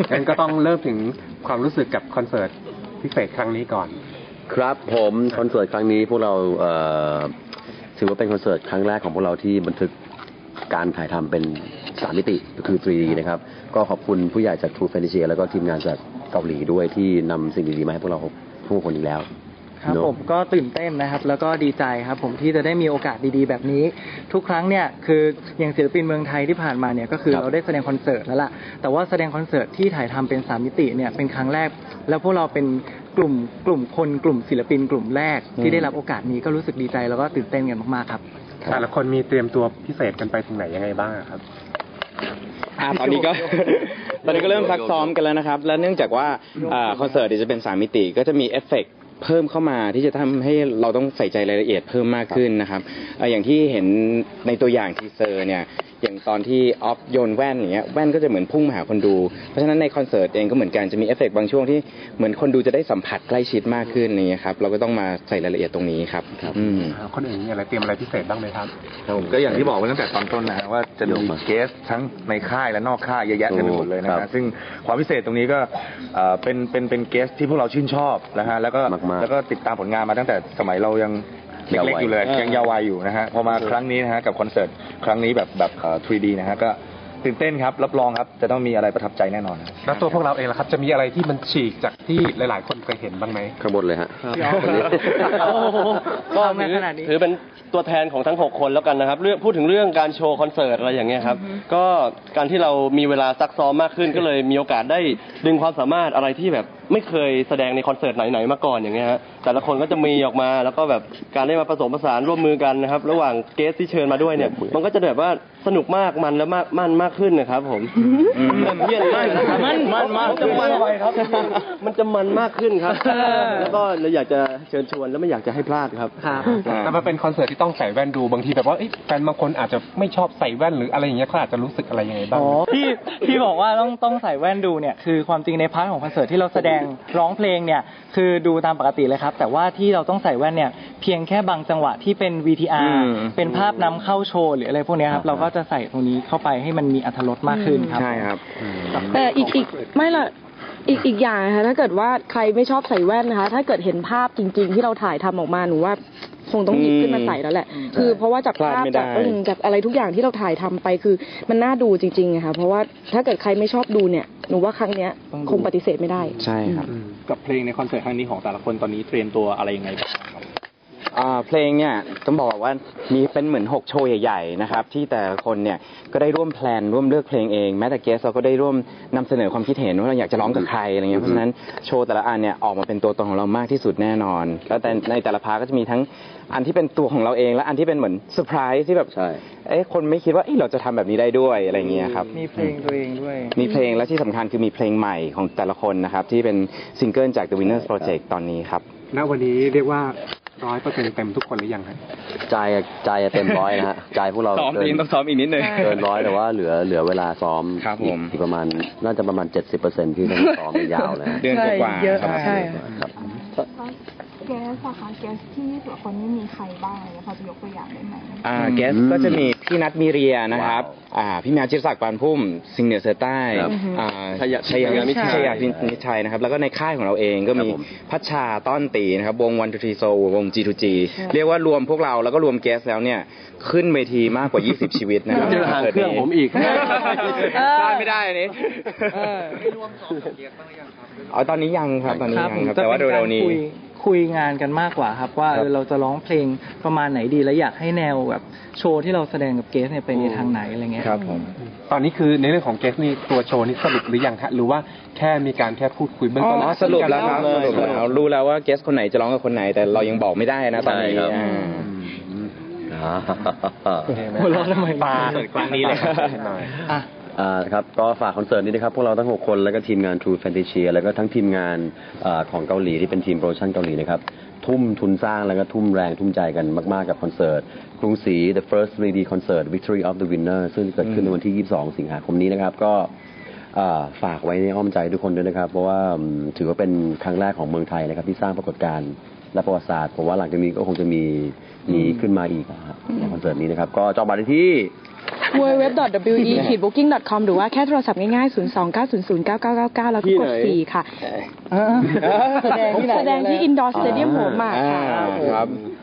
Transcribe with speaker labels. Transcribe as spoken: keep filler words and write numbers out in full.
Speaker 1: งั้นก็ต้องเริ่มถึงความรู้สึกกับคอนเสิร์ตพิเศษครั้งนี้ก่อน
Speaker 2: ครับผมคอนเสิร์ตครั้งนี้พวกเราถือว่าเป็นคอนเสิร์ตครั้งแรกของพวกเราที่บันทึกการถ่ายทำเป็นสามมิติก็คือ ทรี ดี นะครับก็ขอบคุณผู้ใหญ่จาก True Fantasia แล้วก็ทีมงานจากเกาหลีด้วยที่นำสิ่งดีๆมาให้พวกเราทุกคนอีกแล้ว
Speaker 3: ครับผมก็ตื่นเต้นนะครับแล้วก็ดีใจครับผมที่จะได้มีโอกาสดีๆแบบนี้ทุกครั้งเนี่ยคืออย่างศิลปินเมืองไทยที่ผ่านมาเนี่ยก็คือเราได้แสดงคอนเสิร์ตแล้วล่ะแต่ว่าแสดงคอนเสิร์ตที่ถ่ายทำเป็นสามมิติเนี่ยเป็นครั้งแรกแล้วพวกเราเป็นกลุ่มกลุ่มคนกลุ่มศิลปินกลุ่มแรกที่ได้รับโอกาสนี้ก็รู้สึกดีใจแล้วก็ตื่นเต้นกันมากๆครับ
Speaker 1: แต่ละคนมีเตรียมตัวพิเศษกันไปถึงไหนยังไงบ้างครับ
Speaker 4: อ่าตอนนี้ก็ตอนนี้ก็เริ่มซักซ้อมกันแล้วนะครับและเนื่องจากว่าคอนเสิร์ตจะเป็นสามมิติก็จะมีเอฟเฟกต์เพิ่มเข้ามาที่จะทำให้เราต้องใส่ใจรายละเอียดเพิ่มมากขึ้นนะครับอย่างที่เห็นในตัวอย่างทีเซอร์เนี่ยอย่างตอนที่ออฟโยนแว่นอย่างเงี้ยแว่นก็จะเหมือนพุ่งมาหาคนดูเพราะฉะนั้นในคอนเสิร์ตเองก็เหมือนกันจะมีเอฟเฟกต์บางช่วงที่เหมือนคนดูจะได้สัมผัสใกล้ชิดมากขึ้นนี่ครับเราก็ต้องมาใส่รายละเอียดตรงนี้ครับ
Speaker 1: คนอื่นมีอะไรเตรียมอะไรพิเศษบ้างไหมครับ
Speaker 5: ผมก็อย่างที่บอกไว้ตั้งแต่ตอนต้นนะว่าจะมีเกสทั้งในค่ายและนอกค่ายเยอะแยะเต็มไปหมดเลยนะฮะซึ่งความพิเศษตรงนี้ก็เป็นเป็นเป็นเกสที่พวกเราชื่นชอบนะฮะแล้วก็แล้วก็ติดตามผลงานมาตั้งแต่สมัยเรายังเล็กๆอยู่เลยยังเยาว์วัยอยู่นะฮะพอมาครั้งนี้นะฮะกับคอนเสิร์ตครั้งนี้แบบแบบ ทรี ดี นะฮะก็ตื่นเต้นครับรับรองครับจะต้องมีอะไรประทับใจแน่นอน
Speaker 1: แล้วตัวพวกเราเองล่ะครับจะมีอะไรที่มันฉีกจากที่หลายๆคนเคยเห็นบ้างไหม
Speaker 2: ข้างบนเลยฮะ
Speaker 6: ก็ถือเป็นตัวแทนของทั้งหกคนแล้วกันนะครับเรื่องพูดถึงเรื่องการโชว์คอนเสิร์ตอะไรอย่างเงี้ยครับก็การที่เรามีเวลาซักซ้อมมากขึ้นก็เลยมีโอกาสได้ดึงความสามารถอะไรที่แบบไม่เคยแสดงในคอนเสิร์ตไหนๆมาก่อนอย่างเงี้ยฮะแต่ละคนก็จะมีออกมาแล้วก็แบบการได้มาผสมผสานร่วมมือกันนะครับระหว่างเกสที่เชิญมาด้วยเนี่ยมันก็จะแบบว่าสนุกมากมันและมากมันมากขึ้นนะครับผมเยี่ยมมากนะครับมันมันมากจะมันไปครับมันจะมันมากขึ้นครับแล้วก็เราอยากจะเชิญชวนแล้วไม่อยากจะให้พลาดครับ
Speaker 1: แต่มันเป็นคอนเสิร์ตที่ต้องใส่แว่นดูบางทีแบบว่าแฟนบางคนอาจจะไม่ชอบใส่แว่นหรืออะไรอย่างเงี้ยเขาอาจจะรู้สึกอะไรยังไงบ้าง
Speaker 3: ที่ที่บอกว่าต้องต้องใส่แว่นดูเนี่ยคือความจริงในพาร์ทของคอนเสิร์ตที่เราแสดงร้องเพลงเนี่ยคือดูตามปกติเลยครับแต่ว่าที่เราต้องใส่แว่นเนี่ยเพียงแค่บางจังหวะที่เป็น วี ที อาร์ เป็นภาพนำเข้าโชว์หรืออะไรพวกนี้ครับเราก็จะใส่ตรงนี้เข้าไปให้มันมีอรรถรสมากขึ้นครับ
Speaker 4: ใช่ครับ
Speaker 7: แต่อีกอีกไม่ละอีกอีกอย่างนะคะถ้าเกิดว่าใครไม่ชอบใส่แว่นนะคะถ้าเกิดเห็นภาพจริงๆที่เราถ่ายทำออกมาหนูว่าคงต้องหยิบขึ้นมาใส่แล้วแหละคือเพราะว่าจากภาพจากจากอะไรทุกอย่างที่เราถ่ายทำไปคือมันน่าดูจริงๆนะคะเพราะว่าถ้าเกิดใครไม่ชอบดูเนี่ยหนูว่าครั้งเนี้ยคงปฏิเสธไม่ได้
Speaker 4: ใช่ครับ
Speaker 8: กับเพลงในคอนเสิร์ตครั้งนี้ของแต่ละคนตอนนี้เตรียมตัวอะไรยังไงบ้างครับ
Speaker 4: เพลงเนี่ยต้องบอกว่ามีเป็นเหมือนหกโชว์ใหญ่ๆนะครับที่แต่ละคนเนี่ยก็ได้ร่วมแพลนร่วมเลือกเพลงเองแม้แต่เกสเราก็ได้ร่วมนำเสนอความคิดเห็นว่าเราอยากจะร้องกับใครอะไรเงี้ยเพราะฉะนั้นโชว์แต่ละอันเนี่ยออกมาเป็นตัวตนของเรามากที่สุดแน่นอนแล้วแต่ในแต่ละพาร์ทก็จะมีทั้งอันที่เป็นตัวของเราเองและอันที่เป็นเหมือนเซอร์ไพรส์ที่แบบเอ๊ะคนไม่คิดว่าเราจะทำแบบนี้ได้ด้วยอะไรเงี้ยครับ
Speaker 3: มีเพลงตัวเองด้วย
Speaker 4: มีเพลงและที่สำคัญคือมีเพลงใหม่ของแต่ละคนนะครับที่เป็นซิงเกิลจาก The Winners Project ตอนนี้ครับ
Speaker 1: ณวันนี้เรียกว่าร้อยเปอร์เซ็นต์เต็มทุกคนหรือยังครับ
Speaker 2: ใจใจเต็มร้อยนะฮะใจพวกเรา
Speaker 4: ซ้อมเองต้องซ้อมอีกนิดนึง
Speaker 2: เกินร้อยแต่ว่าเหลือเหลือเวลาซ้อมอีกประมาณน่าจะประมาณเจ็ดสิบเปอร์เซ็นต์ที่ต้องซ้อมยาวเลย
Speaker 4: เดือนกว่าครับ
Speaker 7: ใช่
Speaker 9: เกสค่ะเกสที่แต่ละคนนี่มีใครบ้างอะไรพอจะยกตัวอย่างได้ไหม
Speaker 4: อ่าเกสก็จะมีพี่นัทมีเรียนะครับอ่าพี่แมวจิรศักดิ์ปานพุ่มซิงเหนือเสือใต้อ่าชัยชัยมิชัยมิชัยนะครับแล้วก็ในค่ายของเราเองก็มีพัชชาต้อนตีนะครับวงวันทูทีโซวง จี ทู จี เรียกว่ารวมพวกเราแล้วก็รวมเกสแล้วเนี่ยขึ้นเวทีมากกว่ายี่สิบชีวิตนะครับ
Speaker 6: เจอหางเครื่องผมอีก
Speaker 4: พลาดไม่ได้อันนี้ไม่รวมซ้อมกับเกสบ้างหรือยังครับอ๋อตอนนี้ยังครับตอนนี้ยังครับแต่ว่าเร็วๆนี้
Speaker 3: คุยงานกันมากกว่าครับว่าเราจะร้องเพลงประมาณไหนดีและอยากให้แนวแบบโชว์ที่เราแสดงกับเกสเนี่ยไปในทางไหนอะไรเงี้ย
Speaker 4: ครับผม
Speaker 1: ตอนนี้คือในเรื่องของเกสนี่ตัวโชว์นี่สรุปหรือยังฮะหรือว่าแค่มีการแค่พูดคุยเบื้องต้น
Speaker 4: อ๋อสรุปแล้วครับสรุปแล้วรู้แล้วว่าเกสคนไหนจะร้องกับคนไหนแต่เรายังบอกไม่ได้นะตอนนี้
Speaker 3: หัวเราะทำไม
Speaker 4: ปาครั้งนี้เลย
Speaker 2: อ่าครับก็ฝากคอนเสิร์ตนี้นะครับพวกเราทั้งหกคนแล้วก็ทีมงาน True Fantasia แล้วก็ทั้งทีมงานของเกาหลีที่เป็นทีมโปรดักชั่นเกาหลีนะครับทุ่มทุนสร้างแล้วก็ทุ่มแรงทุ่มใจกันมากๆกับคอนเสิร์ตกรุงศรี The First ทรี ดี Concert Victory of the Winner ซึ่งเกิดขึ้นในวันที่ยี่สิบสองสิงหาคมนี้นะครับก็ฝากไว้ในอ้อมใจทุกคนด้วยนะครับเพราะว่าถือว่าเป็นครั้งแรกของเมืองไทยนะครับที่สร้างปรากฏการณ์และประวัติศาสตร์ผมว่าหลังจากนี้ก็คงจะมีมีขึ้นมาอีกในคอนเสิร์ตนี้นะครับก็จองบัตรได้ที่
Speaker 7: ดับเบิลยู ดับเบิลยู ดับเบิลยู ดอท ดับเบิลยู อี คิด บุ๊กิ้ง ดอท คอม หรือว่าแค่โทรศัพท์ง่ายๆ ศูนย์ สอง เก้า ศูนย์ ศูนย์ เก้า เก้า เก้า เก้า แล้วก็กดสี่ค่ะ
Speaker 3: แสดงที่ไหน
Speaker 7: แสดงที่ Indoor Stadium หัวหมากค่ะ
Speaker 4: อ่าครับ